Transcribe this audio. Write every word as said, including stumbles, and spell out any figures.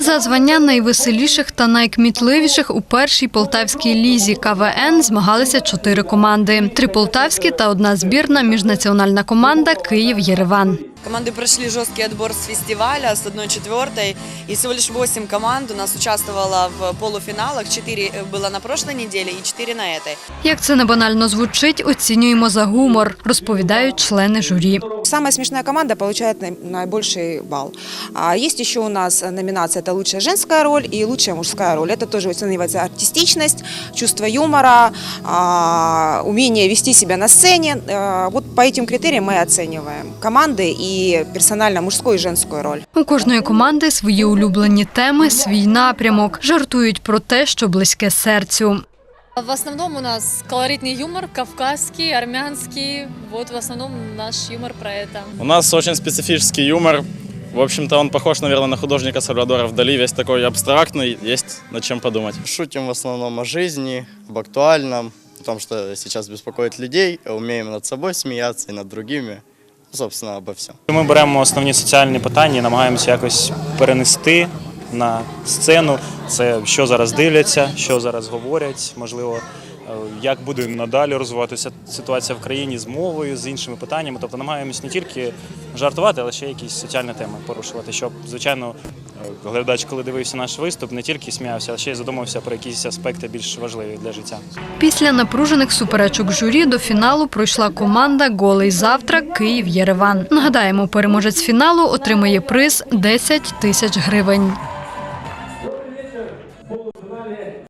За звання найвеселіших та найкмітливіших у першій полтавській лізі ка ве ен змагалися чотири команди. Три полтавські та одна збірна міжнаціональна команда «Київ-Єреван». Команды прошли жесткий отбор с фестиваля, с одной четвертой, и всего лишь восемь команд у нас участвовало в полуфиналах, четыре было на прошлой неделе и четыре на этой. Як це не банально звучить, оцінюємо за гумор, розповідають члени журі. Самая смешная команда получает наибольший балл. А есть еще у нас номинация – это лучшая женская роль и лучшая мужская роль. Это тоже оценивается артистичность, чувство юмора, умение вести себя на сцене. Вот по этим критериям мы оцениваем команды и персонально мужскую и женскую роль. У кожної команди свої улюблені теми, свій напрямок. Жартують про те, що близьке серцю. В основном у нас колоритный юмор, кавказский, армянский. Вот в основном наш юмор про это. У нас очень специфический юмор. В общем-то, он похож, наверное, на художника Сальвадора Дали. Весь такой абстрактный, есть над чем подумать. Шутим в основном о жизни, об актуальном, о том, что сейчас беспокоит людей. Умеем над собой смеяться и над другими. Собственно, обо всем. Ми беремо основні соціальні питання і намагаємося якось перенести на сцену. Це що зараз дивляться, що зараз говорять, можливо, як буде надалі розвиватися ситуація в країні з мовою, з іншими питаннями. Тобто намагаємось не тільки жартувати, але ще якісь соціальні теми порушувати, щоб, звичайно, глядач, коли дивився наш виступ, не тільки сміявся, а ще й задумався про якісь аспекти більш важливі для життя. Після напружених суперечок журі до фіналу пройшла команда «Голий завтрак» Київ-Єреван. Нагадаємо, переможець фіналу отримає приз – десять тисяч гривень.